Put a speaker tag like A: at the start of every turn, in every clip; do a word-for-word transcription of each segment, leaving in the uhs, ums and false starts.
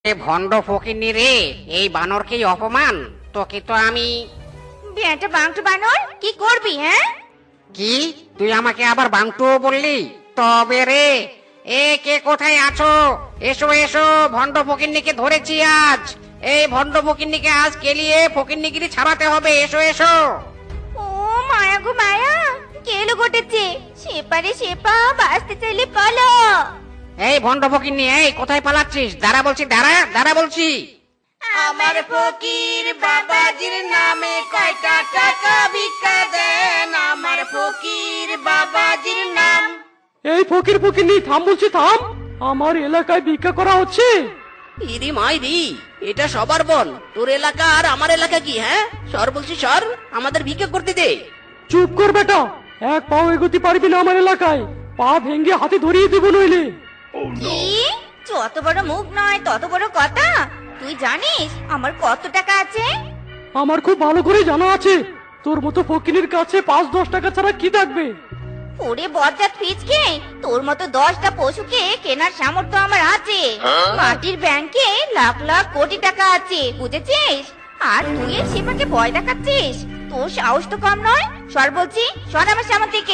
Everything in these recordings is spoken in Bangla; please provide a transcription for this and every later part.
A: এ ভণ্ড ফকিন্নি রে, এই বানরকেই অপমান। তোকে তো আমি
B: বেটা বাংটু বানর কি করবি? হ্যাঁ,
A: কি তুই আমাকে আবার বাংটুও বললি? তবে রে, এ কে কোথায় আছো? এসো এসো, ভণ্ড ফকিন্নিকে ধরেছি আজ। এই ভণ্ড ফকিন্নিকে আজ কেলিয়ে ফকিন্নিগিরি ছাড়াতে হবে। এসো এসো।
B: ও মায়া গো মায়া, কেলো ঘটেছে। সেপারে সেপা, বাঁচতে চাইলে পালো।
A: এই ভণ্ড ফকিন্নি, এই কোথায় পালাচ্ছিস? দাঁড়া বলছি, দাঁড়া দাঁড়া বলছি।
B: আমার ফকির বাবাজির নামে কয়টা টাকা ভিক্ষা দেন, আমার ফকির বাবাজির নাম।
C: এই ফকির ফকিরনি, থাম বলছি, থাম। আমার এলাকায় ভিক্ষা করা হচ্ছে।
D: ইরি মাইরি, এটা সবার বল। তোর এলাকা আর আমার এলাকা কি? হ্যাঁ, সর বলছি, সর, আমাদের ভিক্ষা করতে দে।
C: চুপ কর বেটা, এক পাও এগোতে পারবি না আমার এলাকায়। পা ভেঙে হাতে ধরিয়ে দেবো নইলে।
B: কি? যত বড় মুখ নয় তত বড় কথা। তুই জানিস আমার কত টাকা আছে?
C: আমার খুব ভালো করে জানা আছে, তোর মতো ফকিরের কাছে পাঁচ দশ টাকা ছাড়া কি থাকবে।
B: ওরে বজ্জাত পিচকে, তোর মতো দশটা পশুকে কেনার সামর্থ্য আমার আছে। মাটির ব্যাংকে লাখ লাখ কোটি টাকা আছে, বুঝেছিস? আর তুই এই সেপাকে ভয় দেখাচ্ছিস? তোর সাহস তো কম নয়। সর বলছি, সর আমার সামনে থেকে।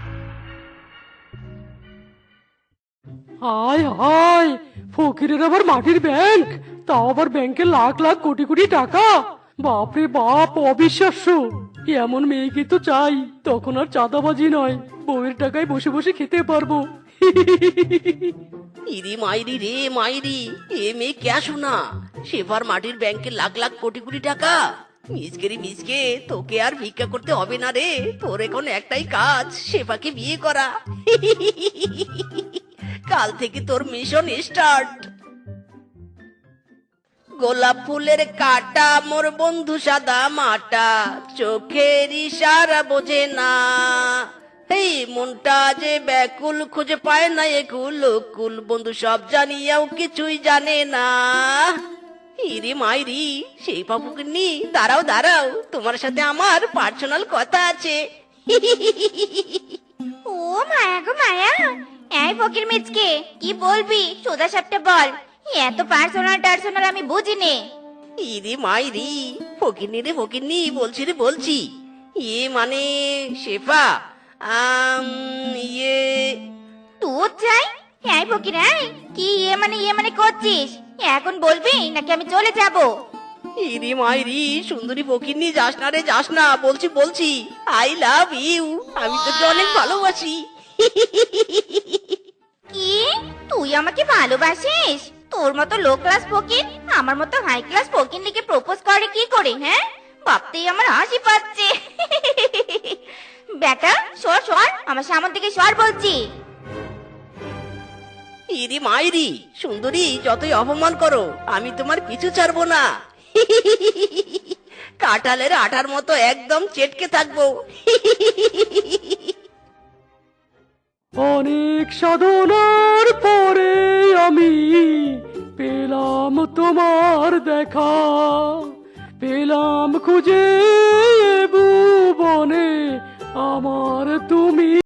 C: হায় হায়, ফকিরের আবার মাটির ব্যাংক, তাও আবার ব্যাংকে লাখ লাখ কোটি কোটি টাকা। বাপরে বাপ, অবিশ্বাস্য। এমন মেয়েকে তো চাই, তখন আর চাঁদাবাজি নয়, বউয়ের টাকায় বসে বসে খেতে পারবো।
D: ইরি মাইরি রে মাইরি, এ মেয়ে কে শোনা? সেবার মাটির ব্যাংকে লাখ লাখ কোটি কোটি টাকা। মিসকেরি মিসকে, তোকে আর ভিক্ষা করতে হবে না রে। তোর এখন একটাই কাজ, সেবাকে বিয়ে করা। কাল থেকে তোর মিশন স্টার্ট। গোলাপ ফুলের কাটা, মোর বন্ধু সাদা মাটা, চোখের ইশারা বোঝে না। এই মনটা যে ব্যাকুল, খুঁজে পায় না একুল কুল, বন্ধু সব জানিয়াও কিছুই জানে না। ইরি মাইরি, সেই পাপুকে নি, দাঁড়াও দাঁড়াও, তোমার সাথে আমার পার্সোনাল কথা আছে।
B: ও মায়া গো মায়া, এই ফকির মিচকে, কি বলবি সোজা সাপটা বল। এত পার্সোনাল টার্সোনাল আমি বুঝিনি।
D: ইরি মাইরি, ফকিরনি রে ফকিরনি, বলছি রে বলছি। ইয়ে মানে শেফা, আম ইয়ে
B: তোর চাই? এই ফকির, এই কি ইয়ে মানে ইয়ে মানে করছিস? এখন বলবি নাকি আমি চলে যাব?
D: ইরি মাইরি, সুন্দরী ফকিরনি, যাস না রে যাস না, বলছি বলছি, আই লাভ ইউ, আমি তোকে অনেক ভালোবাসি।
B: কি? তুই আমাকে ভালোবাসিস? তোর মতো লো ক্লাস ফকির আমার মতো হাই ক্লাস ফকির নিকে প্রপোজ করে কি করে? হ্যাঁ, ভাবতেই আমার হাসি পাচ্ছে। বেটা সর সর, আমার সামনে থেকে সর বলছি।
D: ইরি মাইরি, সুন্দরী, যতই অপমান করো, আমি তোমার পিছু ছাড়বো না। কাঁঠালের আঠার মতো একদম চেটকে থাকবো।
C: অনেক সাধনার পরে আমি পেলাম তোমার দেখা, পেলাম খুঁজে এ ভুবনে আমার তুমি।